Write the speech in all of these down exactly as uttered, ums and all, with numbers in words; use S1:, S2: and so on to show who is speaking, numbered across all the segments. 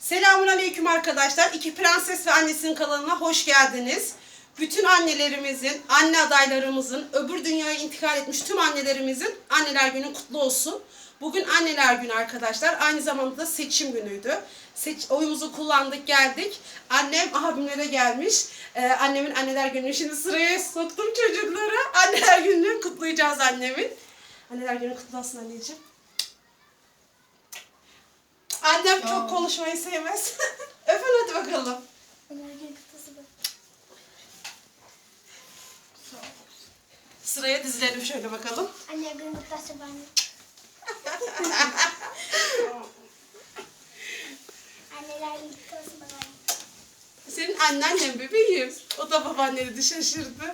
S1: Selamünaleyküm arkadaşlar. İki Prenses ve Annesinin kanalına hoş geldiniz. Bütün annelerimizin, anne adaylarımızın, öbür dünyaya intikal etmiş tüm annelerimizin Anneler Günü kutlu olsun. Bugün Anneler Günü arkadaşlar. Aynı zamanda da seçim günüydü. Seç, oyumuzu kullandık, geldik. Annem abimlere gelmiş. Ee, annemin Anneler Günü'nü şimdi sıraya soktum çocuklara. Anneler Günü'nü kutlayacağız annemin. Anneler Günü kutlu olsun anneciğim. Annem çok
S2: Aa.
S1: konuşmayı sevmez. Öpün hadi bakalım. Sıraya dizilelim şöyle bakalım.
S3: Anne gün kutlasın bana. Anneler gün kutlasın bana.
S1: Senin anneannen bebeğim. O da babaanneni de şaşırdı.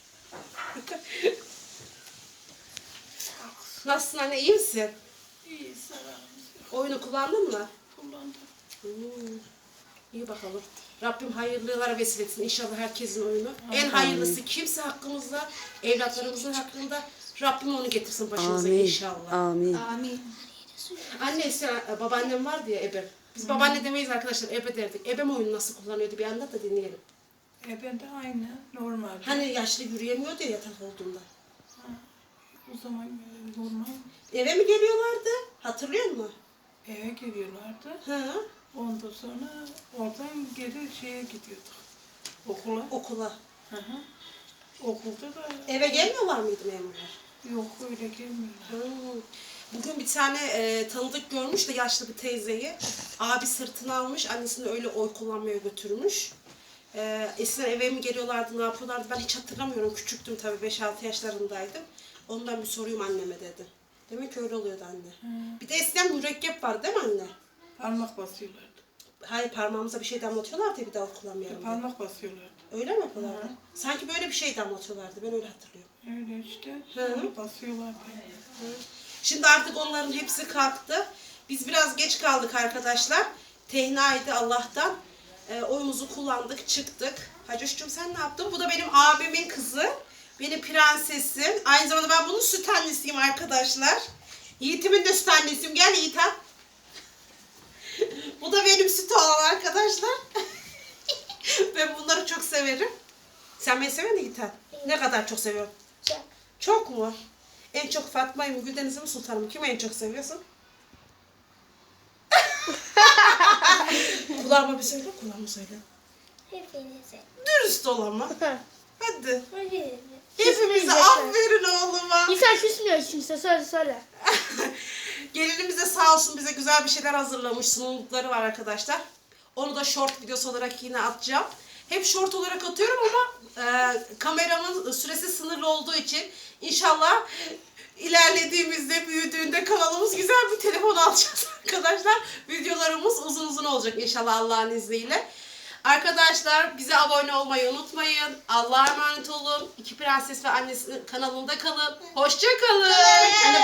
S1: Nasılsın anne, iyi misin?
S2: İyi, selam.
S1: Oyunu kullandın mı?
S2: Kullandım.
S1: Hmm. İyi bakalım. Rabbim hayırlılara vesile etsin inşallah herkesin oyunu. En hayırlısı kimse hakkımızda, evlatlarımızın hakkında Rabbim onu getirsin başımıza
S4: Amin.
S1: inşallah.
S4: Amin.
S2: Amin.
S1: Anne sen, babaannem vardı ya ebe. Biz babaanne demeyiz arkadaşlar, ebe derdik. Ebem oyunu nasıl kullanıyordu bir anlat da dinleyelim.
S2: E ben de aynı, normal.
S1: Hani yaşlı yürüyemiyordu ya yatak olduğunda.
S2: Ha, o zaman e, normal
S1: Eve mi geliyorlardı? Hatırlıyor musun?
S2: eve geliyorlardı.
S1: Hı.
S2: Ondan sonra oradan geri şeye gidiyorduk. Okula.
S1: Okula.
S2: Hı hı. Okulda da
S1: Eve gelmiyorlar mıydı memurlar?
S2: yok, öyle gelmiyorlar.
S1: Hı. Bugün bir tane e, tanıdık görmüş de yaşlı bir teyzeyi. Abi sırtına almış, annesini öyle oy kullanmaya götürmüş. E, eskiden eve mi geliyorlardı, ne yapıyorlardı ben hiç hatırlamıyorum. Küçüktüm tabii, beş altı yaşlarındaydım. Ondan bir sorayım anneme dedi. Demek ki öyle oluyordu anne.
S2: Hı.
S1: Bir de eskiden mürekkep vardı değil mi anne?
S2: Parmak basıyorlardı.
S1: Hayır, parmağımıza bir şey damlatıyorlardı ya bir daha kullanmayalım diye.
S2: Parmak basıyorlardı.
S1: Öyle mi yapıyorlardı? Sanki böyle bir şey damlatıyorlardı, ben öyle hatırlıyorum.
S2: Öyle işte.
S1: Hı.
S2: Sonra basıyorlardı.
S1: Şimdi artık onların hepsi kalktı. Biz biraz geç kaldık arkadaşlar. Tehnaydı Allah'tan. E, oyumuzu kullandık, çıktık. Hacoş'cum sen ne yaptın? Bu da benim abimin kızı. Benim prensesim. Aynı zamanda ben bunun süt annesiyim arkadaşlar. Yiğit'imin de süt annesiyim. Gel Yiğit ha. Bu da benim süt olan arkadaşlar. Ben bunları çok severim. Sen beni seviyor musun Yiğit ha? Ne kadar çok seviyorum?
S3: Çok.
S1: Çok mu? En çok Fatma'yı mı, Güldeniz'i mi, Sultan'ı mı? Kimi en çok seviyorsun? Kulağıma bir söyle, kulağıma söyle.
S3: Hepinize.
S1: Dürüst ol ama. Hadi.
S3: Hepinize.
S1: Hepimize aferin oğluma.
S3: İnsan küsmüyor kimse, söyle söyle.
S1: Gelinimiz de sağ olsun bize güzel bir şeyler hazırlamış. Sunumlukları var arkadaşlar. Onu da short videosu olarak yine atacağım. Hep short olarak atıyorum ama e, kameramın süresi sınırlı olduğu için inşallah ilerlediğimizde, büyüdüğünde kanalımız güzel bir telefon alacağız arkadaşlar. Videolarımız uzun uzun olacak inşallah Allah'ın izniyle. Arkadaşlar bize abone olmayı unutmayın. Allah'a emanet olun. İki Prenses ve Annesi kanalında kalın. Hoşça kalın.